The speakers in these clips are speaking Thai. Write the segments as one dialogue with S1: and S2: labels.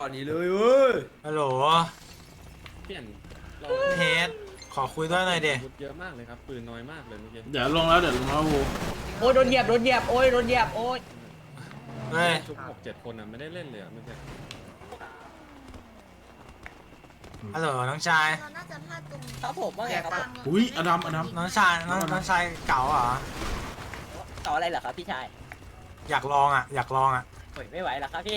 S1: อนนี้เลยเว้ย
S2: ฮัลโหล
S3: เปลี่ยนเรา
S2: เฮดขอคุยด้วยหน่อยเด็
S3: อาวุธเยอะมากเลยครับปืนน้อยมากเลยเมื่อกี้
S4: เดี๋ยวลงแล้ววู
S1: โอ้ยโดนเหยียบโดนเหยียบโอ้ยโดนเหยียบโอ้ย
S2: เฮ้ย
S3: ชุบ6-7 คนอ่ะไม่ได้เล่นเลยอ่ะเมื่อกี้
S2: ฮัลโหลน้องชาย
S5: เราน่าจะพลาดตรง
S1: ครับผมว่าไงครับ
S4: อุ้ยอดัม
S2: น้องชายน้องชายเก๋าเหรอ
S1: ต่ออะไรเหรอครับพี่ชาย
S2: อยากลองอ่ะ อยากลองอ่ะ
S1: โอ้ยไม่ไหวแล้วครับพี่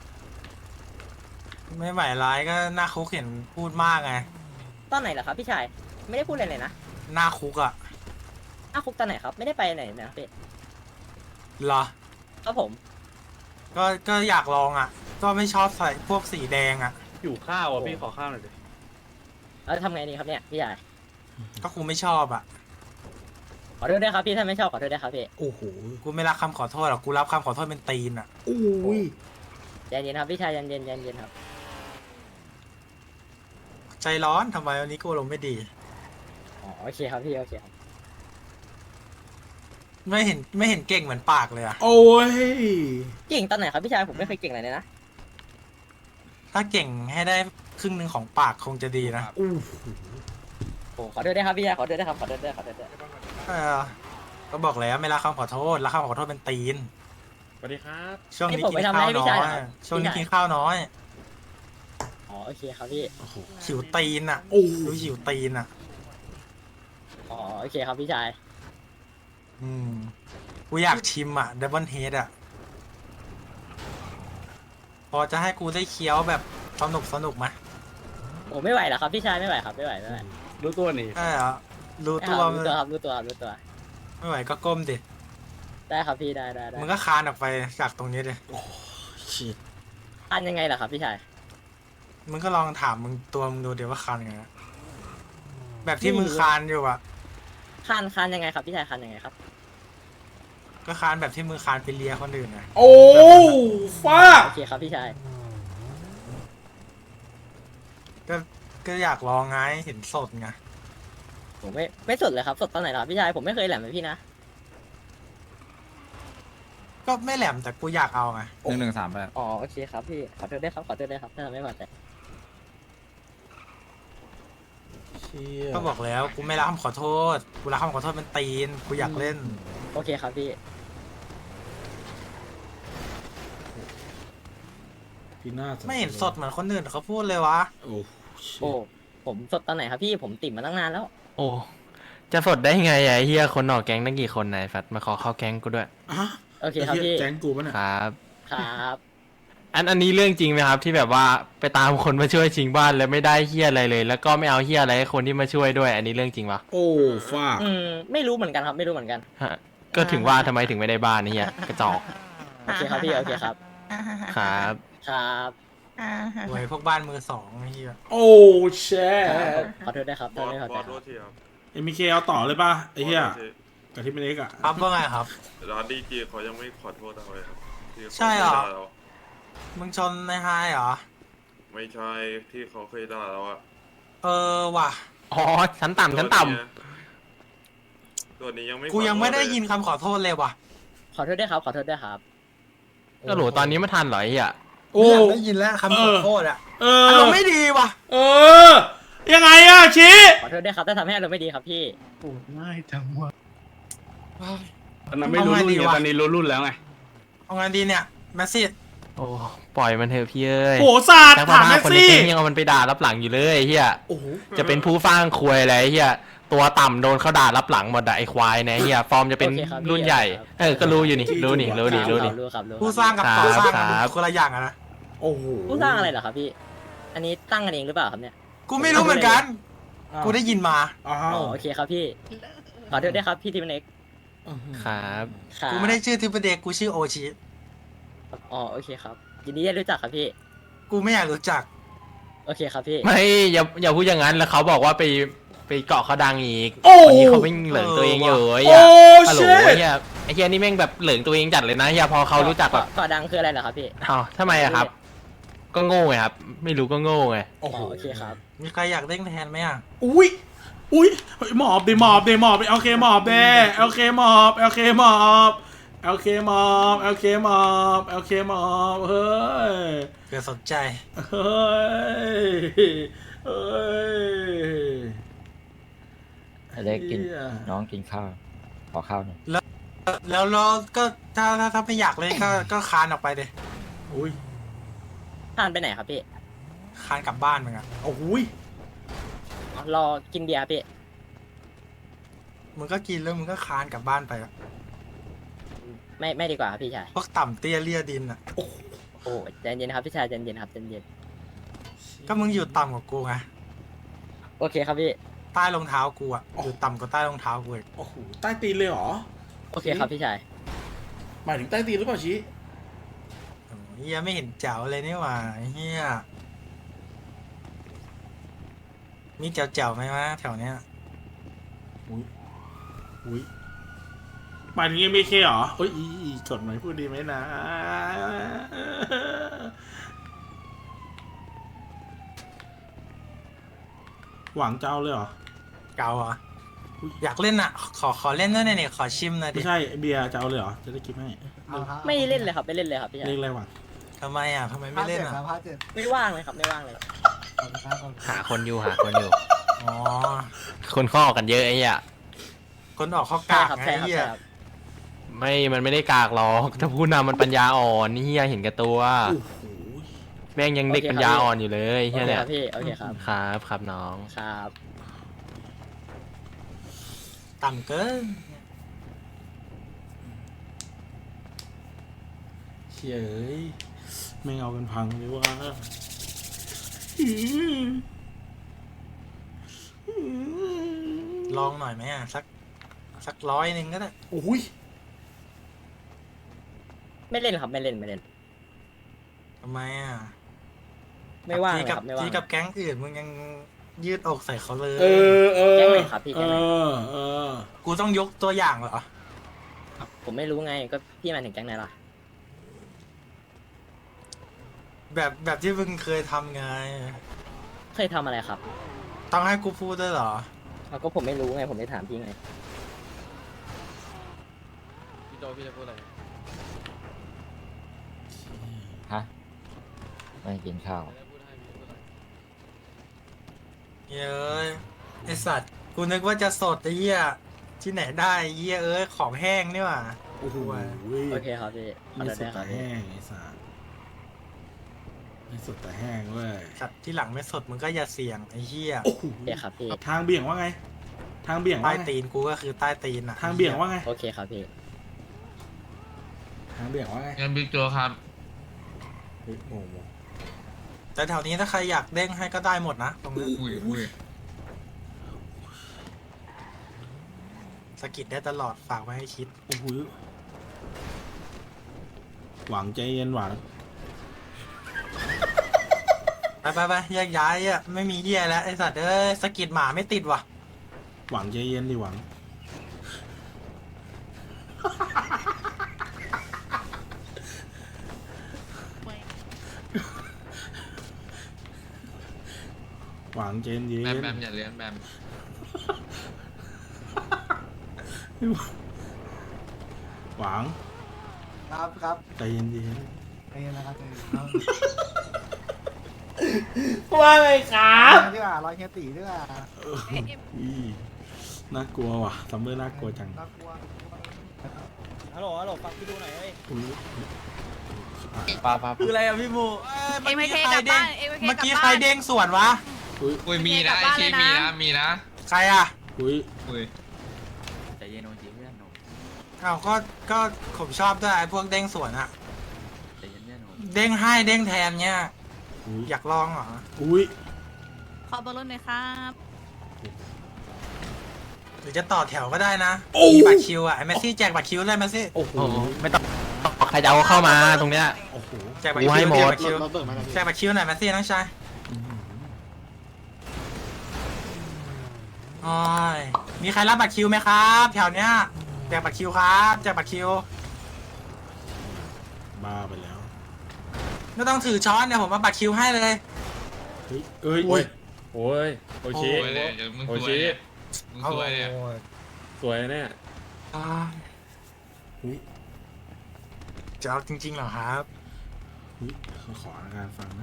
S2: ไม่ไหวร้ายก็หน้าคุกเห็นพูดมากไง
S1: ตอนไหนเหรอครับพี่ชายไม่ได้พูดอะไรเลยนะ
S2: หน้าคุกอ่ะ
S1: อ้าวคุกตอนไหนครับไม่ได้ไปไหนนะครับพี่
S2: เหรอ
S1: ครับผม
S2: ก็อยากลองอ่ะ ก็ไม่ชอบใส่พวกสีแดงอ่ะ
S3: อยู่ข้าวอ่ะพี่ขอข้าวหน่อยดิ
S1: แล้วทำไงดีครับเนี่ยพี่ชาย
S2: ก็กูไม่ชอบอ่ะ
S1: ขอโทษด้วยครับพี่ถ้าไม่ชอบขอโทษด้วยครับพี่
S4: โอ้โห
S2: กูไม่รับคำขอโทษหรอก กูรับคำขอโทษเป็นตีนอ่ะ
S4: อุ้ย
S1: ใจเย็นครับพี่ชายใจเย็นใจเย็นครับ
S2: ใจร้อนทำไมวันนี้กูลงไม่ดี
S1: อ๋อโอเคครับพี่โอเคครับ
S2: ไม่เห็นเก่งเหมือนปากเลยอ่ะ
S4: โอ้ย
S1: เก่งตอนไหนครับพี่ชายผมไม่เคยเก่งอะไรเลยนะ
S2: ถ้าเก่งให้ได้ครึ่งหนึ่งของปากคงจะดีนะ
S4: อู้
S1: โอ้ขอโทษด้วยครับพี่ชายขอโทษด้วยครับขอโทษด้วยขอโทษด้วย
S2: เออก็บอกแล้วไม่รับคำขอโทษรับคำขอโทษเป็นตีน
S3: สวัสดีครับ
S2: ช่วงนี้กินข้าวน้อย ช่วงนี้กินข้าวน้อย
S1: อ๋อโอเคครับพี่
S4: โอ้โห
S2: หิวตีนอ่ะ
S4: โอ้
S2: ดูหิวตีนอ่ะ
S1: อ๋อโอเคครับพี่ชาย
S2: อืม กูอยากชิมอ่ะดับเบิลเฮดอ่ะ พอจะให้กูได้เคี้ยวแบบสนุกไหม
S1: โอ้ไม่ไหวแล้วครับพี่ชายไม่ไหวครับไม่ไหวไม่ไหว
S3: รู้ตัวนี่
S2: ใช่เหรอรู้ตัว
S1: รู้ตัวครับรู้ตัวครับรู้ตัว
S2: ไม่ไหวก็ก้มดิ
S1: ได้ครับพี่ได้ได้ได้
S2: มึงก็คานออกไปจากตรงนี้ดิ
S4: ชิด
S1: อันยังไงล่ะครับพี่ชาย
S2: มึงก็ลองถามมึงดูเดี๋ยวว่าคานยังไงอะแบบที่มึงคานอยู่อ่ะ
S1: คานยังไงครับพี่ชายคานยังไงครับ
S2: ก็คานแบบที่มึงคานไปเลียคนอื่นไง
S4: โอ้ฟ้า
S1: โอเคครับพี่ชาย
S2: ก็อยากลองไงเห็นสดไง
S1: ผมไม่สดเลยครับสดตอนไหนล่ะครับพี่ชายผมไม่เคยแหลมเลยพี่นะ
S2: ก็ไม่แหลมแต่กูอยากเอาไง
S6: 1138
S1: อ๋อโอเคครับพี่ขอโทษด้วยครับขอโทษด้วยครับถ้าทำไม่พอใจ
S4: เชี่ย
S2: ก็บอกแล้วกูไม่รับคำขอโทษ กูรับคำขอโทษเป็นตีน กูอยากเล่น
S1: โอเคครับพี่
S4: พี่หน้า
S2: ไม่เห็นสดเหมือนคนอื่นเขาพูดเลยวะ
S4: โอ้ชิ
S1: โอ้ผมสดตอนไหนครับพี่ผมติ่มมาตั้งนานแล้ว
S6: โอ้ จะสดได้ไงไอ้เฮียคนออกแก๊งตั้งกี่คนนายแฟตมาขอเข้าแก๊งกูด้วย
S4: อะ
S1: โอเคครับพี่
S4: แจ้งกูปะเนี่ย
S6: ครับ
S1: ครับ
S6: อันนี้เรื่องจริงไหมครับที่แบบว่าไปตามคนมาช่วยชิงบ้านแล้วไม่ได้เฮียอะไรเลย แล้วก็ไม่เอาเฮียอะไรให้คนที่มาช่วยด้วย อันนี้เรื่องจริงปะ
S4: โอ้ฟ้า
S1: ไม่รู้เหมือนกันครับไม่รู้เหมือนกัน
S6: ฮะก็ถึงว่าทำไมถึงไม่ได้บ้านนี่เฮียกระจอก
S1: โอเคครับพี่โอเคครับ
S6: ครับ
S1: ครับ
S2: โวยพวกบ้านมือสองไอ้เหี้ย
S4: โอ้แช่
S1: ขอโทษด้วยครับ
S7: บ
S1: ถ้า
S7: อส
S1: ไม่พอบ ใจ
S7: อส
S1: ค
S7: โท
S1: รับ
S7: ษทีครับ
S4: เอ็มเคเอาต่อเลยป่ะไอ้เหี้ย
S7: บอสโทษที
S4: กับที่เป็นเล็กอ่ะ
S2: ครับว่าไงครับ
S7: ร้านดีจีเขายังไม่ขอโทษเราเลยครับที่ขา
S2: ใช่เหรอ
S7: คยด่าา
S2: มึงชนในไฮเหรอ
S7: ไม่ใช่ที่เขาเคยด่าเราอะ
S2: เออว่ะ
S6: อ๋อชั้นต่ำชั้นต่
S7: ตัวนี้ยังไม่
S2: กูยังไม่ได้
S7: ขอโทษเล
S2: ยินคำขอโทษเลยว่ะ
S1: ขอโทษด้วยครับขอโทษด้วยครับ
S6: ำก็โหลตอนนี้ไม่ทันเหรอไอ้เฮีย
S4: โอ้
S2: ไม่อยากได้ยินแล้วคำขอโทษอ่ะ
S4: เอ
S2: อา
S4: อ
S2: รมณ์ไม่ดีว่ะ
S4: เออ ยังไงอะชี้
S1: ขอโทษด้วยครับถ้าทำให้อารมณ์ไม่ดีครับพี่
S3: ตอนนั้นไม่รู้รุ่นไงตอนนี้รู้รุ่นแล้วไง
S2: เอาไงดีเนี่ยแมสซี่
S6: โอ้ปล่อยมันเถอะพี่เอ้ย
S4: โหศาสตร์
S6: แต่
S4: ถาม
S6: ว่า
S4: แม็ก
S6: คนใน
S4: ซี่
S6: แก๊งยังเอามันไปด่ารับหลังอยู่เลยไอ้เฮีย
S4: โอ้โห
S6: จะเป็นผู้ฟ้างควยอะไรไอ้เฮียตัวต่ำโดนเขาด่ารับหลังหมดอะไอ้ควายเนี่ยไอ้เฮียฟอร์มจะเป็น
S1: โอเคครับ
S6: รุ่นใหญ่
S1: ครับ
S6: เออก็รู้อยู่นี่รู้นี่รู้นี่รู้นี่
S1: รู้ครับรู้
S2: ผู้สร้างกับต่อสร้าง
S6: ครั
S2: กัน
S6: บ
S2: คนละอย่างอะนะ
S4: โอ้โห
S1: ผู้สร้างอะไรเหรอครับพี่ อันนี้ตั้งกันเองหรือเปล่าครับเนี่ย
S2: กูไม่รู้เหมือนกัน กูได้ยินมา
S4: อ้า
S1: อ๋อ
S4: ว
S1: โอเคครับพี่ ขอโทษด้วยครับพี่ทีมเน็ก
S6: ครับ
S1: ครับ
S2: กูไม่ได้ชื่อทิปเดกกูชื่อโอชิ
S1: อ๋อโอเคครับยินดีได้รู้จักครับพี่
S2: กูไม่อยากรู้จัก
S1: โอเคครับพี่
S6: ไม่อย่าพูดอย่างนั้นแล้วเขาบอกว่าไปเกาะเขาดังอีก
S4: โอ้
S6: วันนี้เขาไม่เหลิงตัวเองอยู่ไอ้
S4: โอ้
S6: เหี้ยฮัลโหล
S4: เช่
S6: ไอ้เหี้ยไอ้เหี้ยนี่แม่งแบบเหลิงตัวเองจัดเลยนะเหี้ยพอเขารู้จักแบบ
S1: ก่อดังคืออะไรเหรอครับพี่
S6: อ้าวทำไมอะครับ ก็โง่ไงครับ ไม่รู้ก็โง่ไง
S4: โอ้โห
S1: โอเคครับ
S2: มีใครอยากเล่นแทนไหมอ่ะ
S4: อุ้ยอุ้ยเฮ้ยหมอบดิหมอบดิหมอบดิโอเคหมอบเด้โอเคหมอบโอเคหมอบโอเคหมอบโอเคหมอบโอเคหมอบเฮ้ย
S2: เผื่อสนใจ
S4: เฮ้ยเฮ้ย
S5: เล็กกิน
S4: เหี้ย
S5: น้องกินข้าวขอข้าวหน่อย
S2: แล้วก็ถ้าไม่อยากเล่นก็คานออกไปเลย
S4: อุ้ย
S1: ทานไปไหนครับพี่
S2: คานกลับบ้านมึงอะ
S4: โอ้ย
S1: อ๋อรอกินเบียร์พี่
S2: มึงก็กินแล้วมึงก็คานกลับบ้านไปอะ
S1: ไม่ดีกว่าครับพี่ชาย
S2: พวกต่ำเตี้ยเลี่ยดินอะ
S1: โอ้ใจเย็นครับพี่ชายใจเย็นครับใจเย็น
S2: ก็มึงอยู่ต่ำกว่ากูไง
S1: โอเคครับพี่
S2: ใต้รองเท้ากูอะอยู่ต่ำกว่าใต้รองเท้ากูอีก
S4: โอ้โหใต้ตีนเลยเหรอ
S1: โอเคครับพี่ชาย
S4: หมายถึงใต้ตีนหรือเปล่าชี้
S2: โอ้ยเฮียไม่เห็นแจ๋วเลยนี่หว่าเฮียมีแจ๋วๆไหมวะแถวเนี้ย
S4: อุ้ยอุ้ยหมายถึงยังไม่เคเหรอเฮ้ยอีกดหมายพูดดีไหมนะหวังเจ้าเลยเหรอ
S2: เก่าเหรอ
S4: อุ๊ย
S2: อยากเล่นอะขอเล่นด้วยหน่อยเนี่ยขอชิมหน่อยดิ
S4: ไม่ใช่เบียร์เจ้าเลยเหรอจะได้กินให้
S1: ไม่เล่นเลยครับไม่เล่นเลยครับพี่ชาย
S4: เรียกอะไรหวัง
S2: ทำไมอะทำไมไม่เล่นอะ
S1: ไม่ว่างเลยครับไม่ว่างเลย
S6: หาคนอยู่
S2: อ๋อ
S6: คนข้อกันเยอะไอ้เหี้ย
S2: คนออกข้อก
S1: ใช่
S2: าก
S1: ครับ
S2: ไง
S1: ใช่ครับ
S2: เฮีย
S1: ใช่ครับ
S6: มันไม่ได้กากหรอกถ้าผู้นำมันปัญญาอ่อนนี่เหี้ยเห็นแกับตัว
S4: โอ้โห
S6: แม่งยังเด็กปัญญาอ่อนอยู่เลย
S1: โอ
S6: เหี้ย
S1: เค
S6: เนี่
S1: ค
S6: ย
S1: รับพี่โอเคครับ
S6: ครับน้อง
S1: ครับ
S2: ต่ำเกิน
S4: เฉยไม่เอากันพังเลยว่า
S2: ลองหน่อยไหมอะสัก100ก็ได้
S4: โอ้ย
S1: ไม่เล่นครับไม่เล่นไม่เล่น
S2: ทำไมอะ
S1: ไม่ว่าง
S2: ที
S1: เลย
S2: กั
S1: ครับไม่ว่าง
S2: ทีกับแก๊งอื่นมึงยังยืดอกใส่เขาเลย
S4: เออ
S1: แจ้งเลยครับพี่
S4: เอ
S1: แจ้งเลย
S4: อ
S2: กูต้องยกตัวอย่างเหรอ
S1: ผมไม่รู้ไงก็พี่มาถึงแก๊งไหนล่ะ
S2: แบบที่มึงเคยทำไง
S1: เคยทำอะไรครับ
S2: ต้องให้กูพูดด้วยเหรอ
S1: เอาก็ผมไม่รู้ไงผมไม่ถามพี่ไง
S6: พี่โจพี่จะพูดอะไร
S5: ฮะไม่กินข้าว
S2: เย้ยไอสัตว์กูนึกว่าจะสดไอ้เหี้ยที่ไหนได้ไอ้เหี้ยของแห้งนี่หว่า
S4: โอ้โห
S1: โอเคครับพี่ขอ
S4: ไม่
S1: โทษ
S4: ส
S1: ด้
S4: ด
S1: วยค
S4: แต่
S1: รับพี่
S4: แห้งไอ้สัสไม่สดแต่แห้งเว้ย
S2: สัตว์ที่หลังไม่สดมึงก็อย่าเสี่ยงไอ้เหี้ย
S4: โอ้โห
S1: โอเคครับพี่
S4: ทางเบี่ยงว่าไง ทางเบี่ยง
S2: ใต้
S4: ว่าไง
S2: ตีนกูก็คือใต้ตีนอะ
S4: ทางเบี่ยงว่าไง
S1: โอเคครับพี่
S4: ทางเบี่ยงว่าไง
S8: งั้นบิ๊กโจครับ
S4: เฮ้ยโอ้โห
S2: แต่แถวนี้ถ้าใครอยากเด้งให้ก็ได้หมดนะตรงนี้
S8: อุ้ย
S2: สะกิดได้ตลอดฝากไว้ให้คิด
S4: โอ้โหหวังใจเย็นหวัง
S2: ไปแยกย้ายอ่ะไม่มีเหี้ยแล้วไอสัตว์สะกิดหมาไม่ติดว่ะ
S4: หวังใจเย็นดิหวัง หวังใจเย็น
S8: แบมแบมอย่าเลี้ยงแบม
S4: หวัง
S9: ครับ
S4: ใจเย็น
S9: ใจเย็นนะครับใจเย็นครับ
S4: ว่าไงครับ
S9: ดีกว่ารอยเฮียตีดีกว่า
S4: น่ากลัวว่ะซัมเมอร์น่ากลัวจัง
S9: น่ากลัว
S1: ฮัลโหลฟังพี่ดูหน่อยเฮ้ย
S4: อุ๊ย
S2: คืออะไรอ่ะพี่บู
S10: เอ็มเคกลับบ้านเอ็มเค
S2: เมื่อก
S10: ลับ
S2: กี้
S10: บ้าน
S2: ใครเด้งสวนวะ
S4: อุ๊ย
S8: อุ้ยมีนะ
S10: กลับ
S8: ไอ้
S10: บ้าน
S8: ชี
S10: เลยนะ
S8: มีนะ
S2: ใครอ่ะ
S4: อุ๊ย
S8: อุ้ย
S5: ใจเย็นโอจีเพื่อนหนู
S2: อ้าวก็ผมชอบด้วยไอ้พวกเด้งสวนอะ
S5: ใจเย็นเพื่อนหนู
S2: เด้งให้เด้งแทนเนี่ย
S4: อุ๊ย
S2: อยากลองเหรอ
S4: อุ๊ย
S10: ขอเบอร์รถหน่อยครับ
S2: หรือจะต่อแถวก็ได้นะ
S4: โอ้
S2: มีบัตรคิวอ่ะไอ้แมสซี่แจกบัตรคิวเลยแมสซี่
S4: โอ้โห
S6: โอ้โหไม่ต้องใครจะเอาเข้ามาตรงเนี้ย
S4: โอ้โห
S2: แจกบัตร
S6: กูให้
S2: คิว
S6: หมด
S2: แจกบัตรคิวแจกบัตรคิวหน่อยแมสซี่น้องชายโอ้ยมีใครรับบัตรคิวไหมครับ แถวเนี้ยแจกบัตรคิวครับแจกบัตรคิว
S4: บ้าไปแล้ว
S2: ไม่ต้องถือช้อนเดี๋ยวผมมาบัตรคิวให้เลย
S4: เฮ้ยเอ้ย
S3: โอ้ยโอ้ยโอชิ
S8: สวยเลยเดี๋ยวมึง
S3: โอ
S8: สวย
S3: ชิ
S8: เนี่ยมึงสวยเนี่ย
S3: สวยเนี่ย
S2: อ่า
S4: อุ๊ย
S2: จะเอาจริงๆเหรอครับ
S4: อุ๊ยขออาการฟังนะ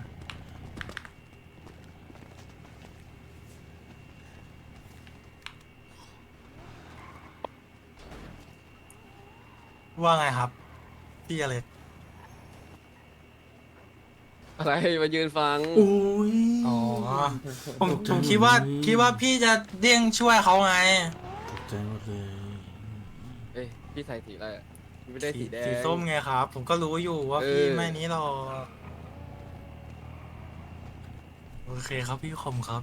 S2: ว่าไงครับ พี่อะไร
S5: อะไรมายืนฟัง
S4: อุ้ย
S2: อ๋อ ผมคิดว่าพี่จะเด้งช่วยเขาไง
S4: ตกใจหมดเลย
S5: เอ้ยพี่ใส่สีอะไรอะไม่ได้สีแดง
S2: สีส้มไงครับ ผมก็รู้อยู่ว่า
S5: เออ
S2: พี่ไม่นี้หรอกโอเคครับพี่คมครับ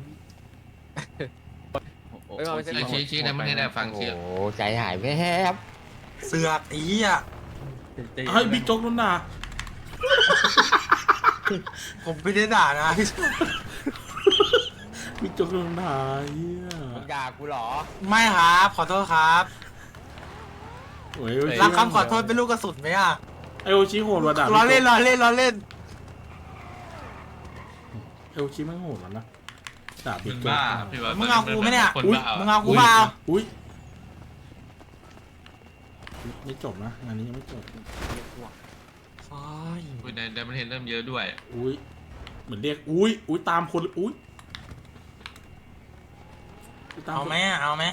S5: ไม่เอาไม่ใช่
S8: ชี้ในประเทศได้ฟัง
S5: โอ้
S8: ชื่อ
S5: โหใจหายแวบ
S2: เสือกอีอ่ะ
S4: เฮ้ยบิ๊กโจ๊กโดนด่า
S2: ผมไม่ได้ด่านะ
S4: บิ๊กโจ๊กโดนด่าเฮีย
S5: มึงด่ากูเหรอ
S2: ไม่ครับขอโทษครับ
S4: โอ้ย
S2: รับคำขอโทษเป็นลูกกระสุนไหมอ่ะ
S4: ไอโอชิโหดว่ะด่า
S2: ล้อเล่นล้อเล่นล้อเล่น
S4: ไอโอชิไม่งโหดแล้วนะด่าบิ๊
S8: มึ
S4: ก
S8: ง
S4: โจ๊ก
S8: บ้าพี่ว่า
S2: มึงเอากูไหมเนี่ย
S8: คนบ้า
S2: มึงเอากูเปล่า
S4: อุ้ยไม่จบนะงานนี้ยังไม่จบ
S8: อุ้ยในประเทศเริ่มเยอะด้วย
S4: อุ้ยเหมือนเรียกอุ้ยตามคนอุ้ยตาม
S2: เอา
S4: คน
S2: ไหมเอาไหม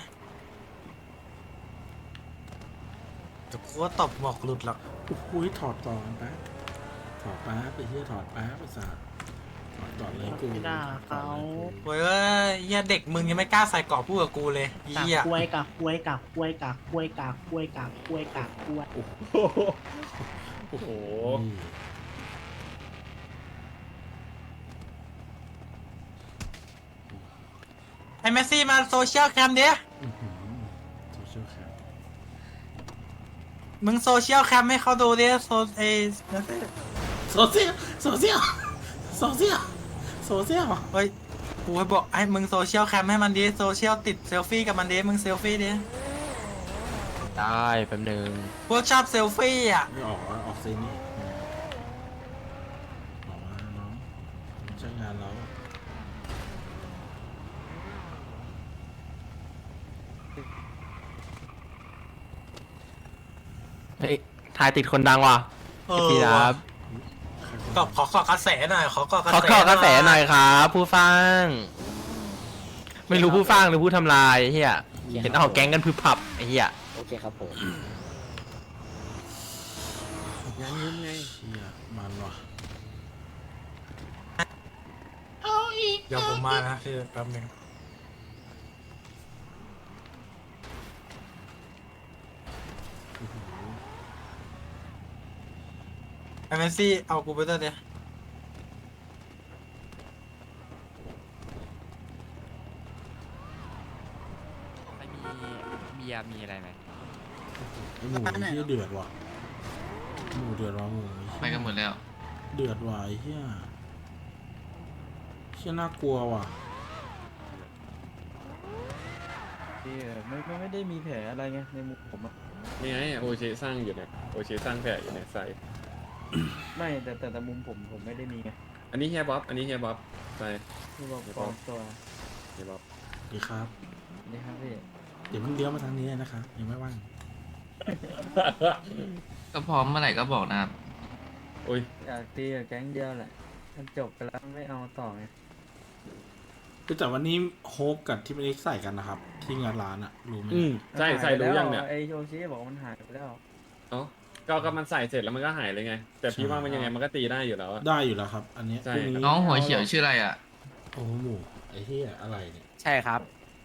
S2: จะกูว่าตบหมวกหลุดหรอก
S4: อุ้ยถอดก่อนแป๊บถอดแป๊บไปเฮียถอดแป๊บไปสาถอดก่อนเลยกู
S9: ไม่ด่าเขา
S2: เว้ยเหี้ยเด็กมึงยังไม่กล้าใส่เกราะพูดกับกูเลย
S9: กาก
S2: เหี้ย
S9: กล้วยกากกล้วยกากกล้วยกากกล้วยกากกล้วยกากกล้วยกากกล้วย
S3: โอ้โห
S2: ไอ้เมสซี่มาโซเชียลแคมดิ
S4: โซเชียลแคม
S2: มึงโซเชียลแคมให้เขาดูดิโซเอ
S4: โซเชียลโซเชียลโซเชียลโซเชียล
S2: เฮ้ยกูให้บอกให้มึงโซเชียลแคมให้มันดิโซเชียลติดเซลฟี่กับมันดิมึงเซลฟี่ดิ
S6: ได้แป๊บนึง
S2: พวกชอบเซลฟี่อ่ะ
S4: ไม่ออกซีนี่ออกมาน้องไม่ใช่งานเรา
S6: เฮ้ยถ่ายติดคนดังว่ะ
S2: เออ
S6: พี่ครับ
S2: ก็ขอกระแสหน่อยขอกระแส
S6: ขอกระแสหน่อยครับผู้ฟัง ไม่รู้ผู้ฟังหรือผู้ทำลายเฮียเห็นเอาแก๊งกันพึบพับไอ้เฮีย
S1: โอเคครับผม
S4: งานยุ่งไงเชี่ยมันว่ะ
S2: เดี๋ยวผมมานะพี่แป๊บนึงไอ้เมสซี่เอากูไปด้วยดิ
S5: มีเบียร์มีอะไรไหม
S4: ไอหมูเฮียเดือดว่ะหมูเดือดว่ะหมู
S8: ไปกันหมดแล้ว
S4: เดือดว่ะไอ้เฮียเฮียน่ากลัวว่ะ
S5: ไม่ได้มีแผลอะไรไงในมุมผมอะ
S3: นี่ไงโอเชสร้างอยู่เนี่ยโอเชสร้างแผลอยู่เนี่ยใส่
S5: ไม่แต่มุมผมไม่ได้มีไง
S3: อันนี้เฮียบ๊อบอันนี้เฮียบ๊อบใส่
S5: ที่บอกปลอมตัว
S3: เฮียบ๊อบ
S4: ดีครับ
S5: นี่ครับพี่
S4: เดี๋ยวมึงเลี้ยวมาทางนี้เลยนะครับยังไม่ว่าง
S8: ก็พร้อมเมื่อไหร่ก็บอกนะครับ
S3: โอ้ย
S5: อยากตีกับแก๊งเดียวแหละมันจบไปแล้วไม่เอาต่อไง
S4: คือแต่วันนี้โฮปกับที่ไม่ได้ใส่กันนะครับ ที่งานร้านอะรู้ไหม
S3: ใส่รู้ยังเนี่ย
S5: ไอโยชิบอกว่ามันหายไปแล้ว
S3: เอ้าก็มันใส่เสร็จแล้วมันก็หายเลยไง แต่พี่ว่ามันยังไงมันก็ตีได้อยู่แล้วอะ
S4: ได้อยู่แล้วครับ อันเนี้ย
S3: ใช่
S4: พรุ่นี้
S8: น้องหัวเขียวชื่ออะไรอ่ะ
S4: โอ้โหหมูไอ้เหี้ยอะไรเนี่ย
S6: ใช่ครับ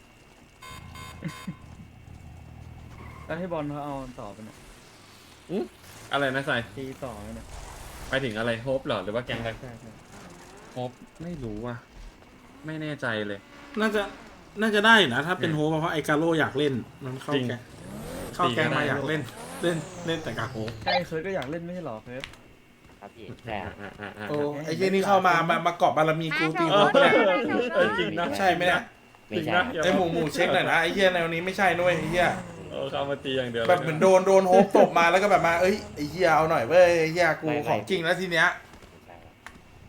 S5: แล้วให้บอลเขาเอาต่อไปเนี่ย
S3: อะไรนะใส่
S5: ตีต่อไปเนี่ย
S3: ไปถึงอะไรโฮปเหรอหรือว่าแกงอะไร
S5: ใช่ใช่
S3: โฮปไม่รู้ว่ะไม่แน่ใจเลย
S4: น่าจะได้อยู่นะ ถ้าเป็นโฮปเพราะไอ้กาโร่อยากเล่นมันเข้า
S3: จริง
S4: แกงเข้าแกง
S3: จริงก็
S4: มา
S3: ได้
S4: อยากเล่นแต่กาโฮป
S5: ใช่เคิร์ดก็อยากเล่นไม่ใช่หรอเคิร์ด
S1: ครับพี่ใช่ครับ
S4: โอ้ไอ้เหี้ยนี่เข้ามาเกาะบารมีกูตีโฮปเนี่ย
S3: จริงนะ
S4: ใช่ไหมเนี่ย
S1: ไม่
S3: จริง
S1: ใช่
S3: นะ
S4: ไอ้หมูเช็คหน่อยนะไอ้เหี้ยแนวนี้ไม่ใช่นุ้ยไอ้เหี้ย
S3: เข้ามาตีอย่างเดียว
S4: แบบเหมือนโดนโฮปตบมาแล้วก็แบบมาเอ้ยไอ้เหี้ยเอาหน่อยเว้ยไอ้เหี้ยกูของจริงแล้วทีเนี้ย
S1: ไม่ใช่ครับ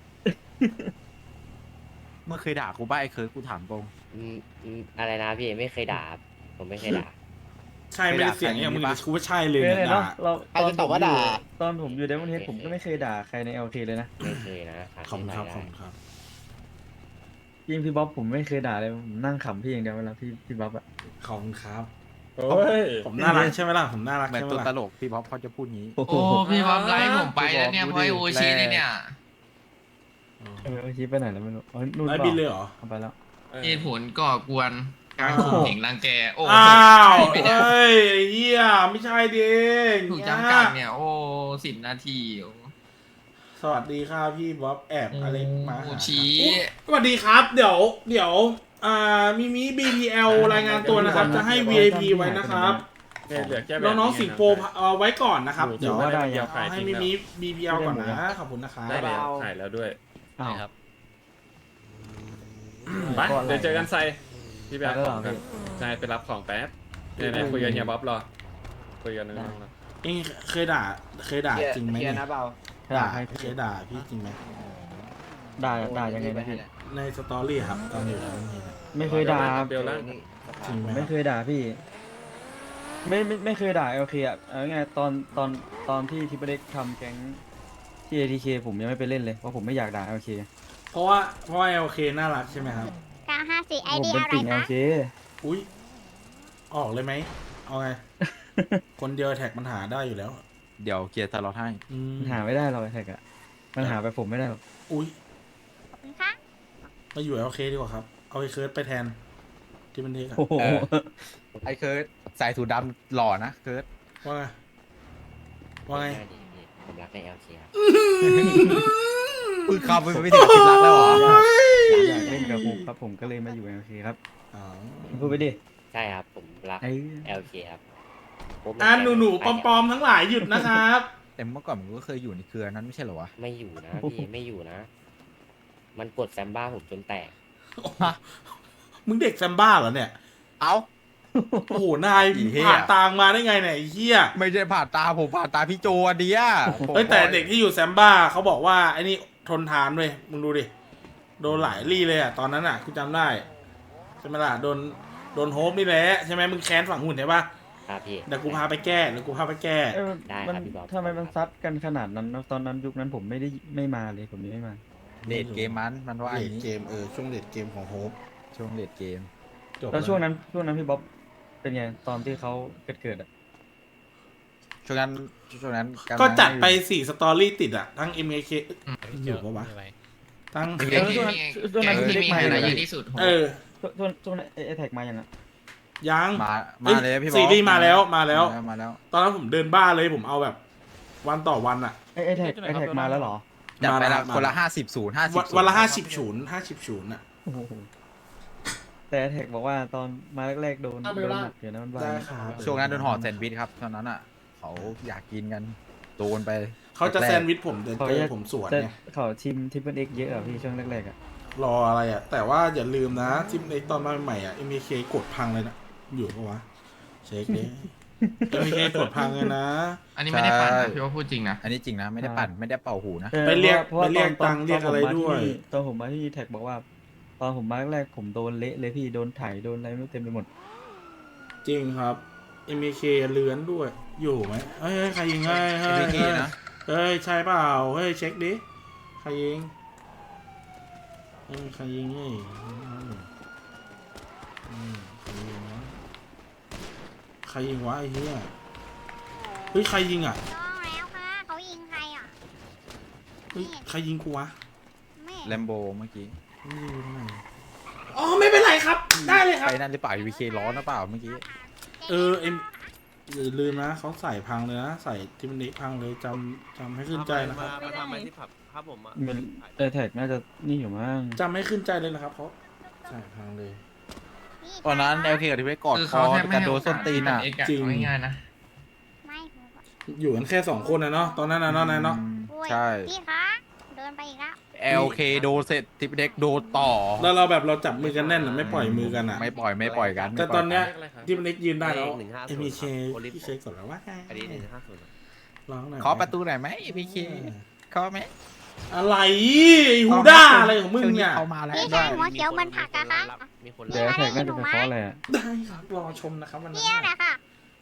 S11: เมื่อเคยด่ากูบ้าไอ้เคิร์ดกูถามตรง
S1: อะไรนะพี่ไม่เคยด่าครับผมไม่เคยด่า
S4: ใช่ไม่ได้เสียงอย่างมึงกูว่าใช่เลย
S11: เคย
S4: เนี่ย
S11: เนาะ
S4: ด่า
S11: เรา
S5: ใครจะตอบว่าด่า
S11: ตอนผมอยู่เดมอนเฮดผมก็ไม่เคยด่าใครในเอลเคเลยนะ
S5: ไม่เคยนะ
S4: ขอบคุณครับขอบคุณครับ
S11: ยิ่งพี่บ๊อบผมไม่เคยด่าเลยผมนั่งขำพี่อย่างเดียวเวลาพี่บ๊อบอะ
S4: ขอบคุณครับ
S3: โอ้ย
S4: ผมน่ารักใช่ไหมล่ะผมน่ารัก
S5: เหมือน
S4: ใช่ไหม
S5: ตัวต
S4: ล่ะ
S5: ลกพี่บ๊อบเขาจะพูดงี้
S11: โอ้โห
S8: โอ้พี่บ๊อบไลฟ์ผมไปแล้วเนี่ยเพราะไอโอชินี่เนี่ย
S11: ชี้ไปไหนแล้วไม่รู้อ๋อนู่น
S4: ไลฟ์
S11: เป
S4: บิน
S11: ล่า
S4: เลยเหรอ
S11: เอาไปแล้ว
S8: เหตุผลก่อกวนการข่มเหงรังแกโอ้
S4: อ้าว
S8: ใช่ไหมเนี่ย
S4: เอ้ยไอ้เฮียไม่ใช่ดิ
S8: ถูกจำกัดเนี่ยโอ้10 นาทีโอ้
S4: สวัสดีครับพี่บ๊อบแอบอะไรมา
S8: โอ
S4: หา
S8: ชิ
S4: สวัสดีครับ เดี๋ยวมิมิ BPL รายงานตัวนะครับ จะให้ VIP ไว้นะครับ
S3: เนี่ยเหลือแค่แบบ
S4: น้องๆสิงโปไว้ก่อนนะครับ
S3: อยู่
S4: เดี๋ยว
S3: ว่าได้
S4: เดี๋ยว
S3: ขาย
S4: ให้
S3: ทิ้ง
S4: มิ
S3: แล้ว
S4: มิ BPL ก่อนนะ ขอบคุณนะครับ
S3: ได้แล้วขายแล้วด้วย
S11: อ้าว
S3: ไปเดี๋ยวเจอกันไซพี่แบ๊
S11: ไปแล้วเหรอพี่
S3: ใช่ไปรับของแป๊บเนี่ยคุยกันเฮียบ๊อบรอคุยกันนึงนะ
S4: เองเคยด่าจริงไหมเนี่ย
S11: ด่าใคร
S4: เคยด่าพี่จริงไหม
S11: ด่ายังไงนะพี่
S4: ในสตอรี่ครับตอนอยู่แล้วนี่นะ
S11: ไม่เคยด่า
S3: เบลล่าง
S4: จริงไหม
S11: ไม่เคยด่าพี่ ไม่เคยด่าโอเคอะเอาไงตอนที่ทิปเปอร์เด็กทำแก๊งที่ ATK ผมยังไม่ไปเล่นเลยเพราะผมไม่อยากด่าโอเค
S4: เพราะว่า LK น่ารักใช่ไหมครับ
S10: 954ไอ
S11: ผม
S10: เดีย
S11: เป็น
S10: อะไร
S11: ติ่ง
S10: คะ
S11: LK
S4: อุ้ยออกเลยไหมเอาไง คนเดียวแท็กมันหาได้อยู่แล้ว
S5: เดี๋ยวเกียร์ตลอดให้
S4: อืม
S11: มันหาไม่ได้หรอกไอ้แท็กอะมันหาไปผมไม่ได้หรอก
S4: อุ้ย
S10: คะ
S4: มาอยู่ LK ดีกว่าครับ เอาไอ้เคิร์ดไปแทนที่มันเทกอะ
S11: โอ้โห
S5: ไอ้เคิร์ดใส่สูทดำหล่อนะเคิร์ด
S4: ว่าไงว่าไง
S5: ผมรักใน LK ครับพึ่งเข้าไปไม่ถึงคิดรักแล้วเหรอ
S11: อยากเล่นกับผมครับผมก็เลยมาอยู่ LK ครับ
S4: อ๋อ
S11: พูดไปดิ
S5: ใช่ครับผมรัก
S11: ไอ้
S5: LK ครับ
S4: หนูปลอมๆทั้งหลายหยุดนะครับ
S5: แต่เมื่อก่อนผมก็เคยอยู่ในเครือนั้นไม่ใช่เหรอวะ
S1: ไม่อยู่นะพี่ไม่อยู่นะ มันกดแซมบ้าผมจนแตก
S4: มึงเด็กแซมบ้าเหรอเนี่ย
S5: เอ้า
S4: โอ้โห นาย
S5: อีเหี้ย
S4: ผ่านตางมาได้ไงเนี่ยไอ้เหี้ย
S5: ไม่ใช่ผ่านตาผมผ่านตาพี่โจอันเดีย
S4: เฮ้ยแต่เด็กที่อยู่แซมบ้าเขาบอกว่าไอ้นี่ทนทานเว้ยมึงดูดิ โดนหลายรี่เลยอ่ะตอนนั้นอ่ะกูจำได้ใช่ไหมล่ะโดนโฮปนี่แหละใช่ไหมมึงแค้นฝั่งหุ่นใช่ปะ
S1: ครับพี่
S4: เดี๋ยวกูพาไปแก้เดี๋ยวกูพาไปแก้
S11: เอ้ย
S1: ได้
S11: มัน
S1: ครับพี่บ๊อบ
S11: ทำไมมันซัดกันขนาดนั้นตอนนั้นยุคนั้นผมไม่มาเลยผมยังไม่มา
S5: เดทเกมมันว่า
S4: เล
S5: อย่าง
S4: ด
S5: นี้
S4: เกมช่วงเลดเกมของโฮป
S5: ช่วงเดทเกม
S4: จบ
S11: แล้วช่วงนั้นพี่บ๊อบเป็นไงตอนที่เขาเกิดอะ
S5: ช่วงนั้นำลัง
S4: ก็จัดไป4สตอรี่ติดอ่ะทั้ง MAK อยู่ปะวะทั้ง
S8: แก๊งที่มีแก๊งที่มีไฮไลท์เยอะที่สุดโห
S11: ช่วงนั้นไอ้แท็กมายังอะ
S4: ยัง
S5: มาเลยพี่บอส
S4: ซีรีส์มาแล้ว
S5: มาแล้ว
S4: ตอนนั้นผมเดินบ้าเลยผมเอาแบบวันต่อวันอ่ะ
S11: ไอ้แท็กมาแล้วเหรอ
S5: จัดไปละ
S4: มา
S5: คนละ50
S4: วันละ50 ศูนย์อะ
S11: โอ้โหแต่แท็กบอกว่าตอนมาแรกๆโดนหนักอยู่นะมันว่า
S4: ได้ครับ
S5: ช่วงนั้นโดนห่อแซนด์วิชครับตอนนั้นอ่ะเขาอยากกินกันโดนไป
S4: เขาจะแซนด์วิชผมเดินเจอผมสวน
S11: แต่
S4: ไง
S11: เขาทีมทิปเปิลเอ็กเยอะอะพี่ช่วงแรกๆอะ
S4: รออะไรอ่ะ แต่ว่าอย่าลืมนะที่ในตอนมาใหม่อ่ะ MK กดพังเลยนะอยู่ปะวะเช็คดิ MK กดพังเลยนะ
S8: อันนี้ไม่ได้ปั่นนะพี่ว่าพูดจริงนะ
S5: อันนี้จริงนะไม่ได้ปั่นไม่ได้เป่าหูนะ
S4: ไปเรียก
S11: พาะว่า
S4: ไปเรียก
S11: ตอน
S4: ตังค์เรียกอะไรด้วย
S11: ตอนผมมาที่แท็กบอกว่า ตอนผมมาแรกๆผมโดนเละเลยพี่โดนไถโดนอะไรไม่รู้เต็มไปหมด
S4: จริงครับ MK เลื้อนด้วย อยู่ไหมเฮ้ยใครยิงให้เฮ้ย
S5: MK นะ
S4: เฮ้ยใช่เปล่าเฮ้ยเช็คดิใครยิงใครยิงนี่ใครยิงวะใครยิงวะไอ้เหี้ยเฮ้ยใครยิงอ่ะ
S10: ต้องแล้วค่ะเขายิงใครอ่ะ
S4: เฮ้ยใครยิงกูวะ
S10: แม่
S5: แลมโบเมื่อกี้
S4: ไม่รู้ทำไมอ๋อไม่เป็นไรครับ ได้เลยครับ
S5: ไปนั่นหรือเปล่า VK ร้อนหรือเปล่าเมื่อกี้
S4: เอ็มอย่าลืมนะเขาใส่พังเลยนะใส่ที่มันนี้พังเลยจำให้ขึ้นใจนะครับ
S10: มาทำไมที่
S11: มันแท็กน่าจะนี่อยู่มั้ง
S4: จำให้ขึ้นใจเลยนะครับเขาใส่พังเลย
S5: ตอนนั้น LK กับที่ไปกอด
S8: คือ
S5: ค
S8: เขา
S5: อ
S8: แทบไม่
S5: กัน
S8: ให้
S5: โด
S8: โอน
S5: ส้น
S8: กาส
S5: ตีนอ่ะ
S8: เอกอะ
S4: จริง
S8: เอาง่ายๆนะ
S10: ไม่
S4: อยู่กันแค่2คนนะเนาะตอนนั้นนะเนาะนายเนาะ
S5: ใช่
S10: พี่คะเดินไปอีกแล้ว
S5: LK โดนเสร็จทิปเด็กโดนต่อ
S4: แล้วเราแบบเราจับมือกันแน่นอะไม่ปล่อยมือกันอ่ะ
S5: ไม่ปล่อยกัน
S4: แต่ตอนเนี้ย
S3: ไม่ปล่อยกัน
S4: ที่มันเล็กยืนได้แล้วเอ็มเคพี่เช็คก่อนแล้วว่าร้องหน่อย
S5: ขอประตูหน่อยไหม VK ขอไหม
S4: อะไรไอ้ฮูด้าอะไรของมึงเนี่ย
S5: เขามาแล้ว
S10: พี่
S5: ด้
S10: ชายหัวเขียวมันผักอะคะ
S11: แต่แท็กน่าจะเป็นเพราะอะไรอะ
S4: ได้ครับรอชมนะครับวันนั้น
S10: เนี่ยแหละค่ะ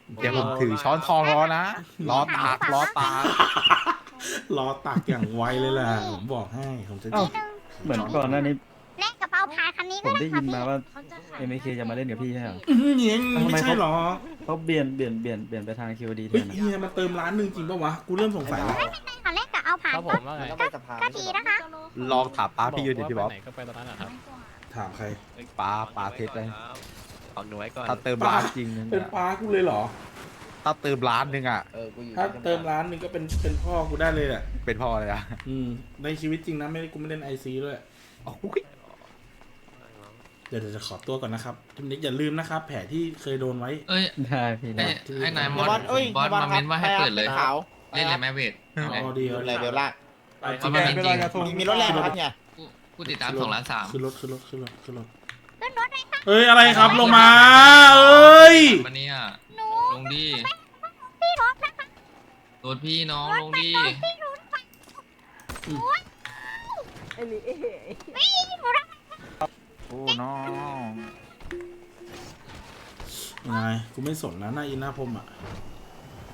S10: เดี๋ยวผมถือช้อนทองรอนะรอตากรอตาก
S4: รอตักอย่างไวเลยแหละผมบอกให้ผมจะ
S11: เอ้า เหมือนก่อนหน้านี้
S10: เล่นกระเป๋าพายคันนี้
S11: ผ
S10: ก็
S11: ม
S10: ได้
S11: ได้
S10: ค่ะ
S11: ยิน
S10: พี่
S11: มาว่า MK จะมาเล่นกับพี่ใช่เหรอ
S4: เงี้ยไม่ใช่หรอ
S11: เขาเปลี่ยนไปทาง QD แท
S4: เฮ้ย
S11: นอะ
S4: เฮียมันเติมร้านหนึ่งจริงปะวะกูเริ่มสงสัยแล้ว
S10: ไม่ค่ะเล่นกับเอาผ่าน
S6: ครับผ
S10: ก็
S6: มว่าไง
S10: ก็ดีนะคะ
S5: ลองถามป้าพี่อยู่ดิพี่บ๊อบ
S6: ไหนก็ไปตอนนั้นนะครับ
S4: ถามใคร
S5: ป้าเทสเลย
S6: เอาหน่วยก่อน
S5: ถ้าเติม
S4: ป้า
S5: ร้านจริงนึง
S4: เป็นป้ากูเลยเหรอ
S5: ถ้าเติมร้านนึงอ่ะ
S4: ถ้าเติมร้านหนึงก็เป็นพ่อกูได้เลยแหละ
S5: เป็นพ่อเลยอ่ะ
S4: ในชีวิตจริงนะไม่ได้กูไม่เล่นไอซีด้วย
S5: โอ้ย
S4: เดี๋ยวจะขอตัวก่อนนะครับทีนี้อย่าลืมนะครับ แผลที่เคยโดนไว้
S8: เอ้ย
S11: ได้พี่
S8: ไอ้
S11: ได้
S8: ไอ้นายมอสบอสมาเม้นว่าให้เปิดเลย เล่นเลยไหมเวท
S4: อ๋อดีเอาดี
S8: เพราะมันจริง
S5: มีรถแรงครับเนี่ย
S8: ผู้ติดตาม2 ล้าน 3
S4: ขึ้นรถขึ้นรถขึ้นรถขึ้นรถ
S10: ขึ้นรถเลยค่ะ
S4: เอ้ยอะไรครับลงมาเอ้ย
S8: วันนี้อ่ะ
S10: หนู
S8: ลงดี
S10: พี่รถนะคะ
S8: รถพี่น้องลงดี
S10: พี่รถไปพี่หนูรัก
S5: โอ้น้อง
S4: ยังไงกูไม่สนนะหน้าอินหน้าพรมอ่ะ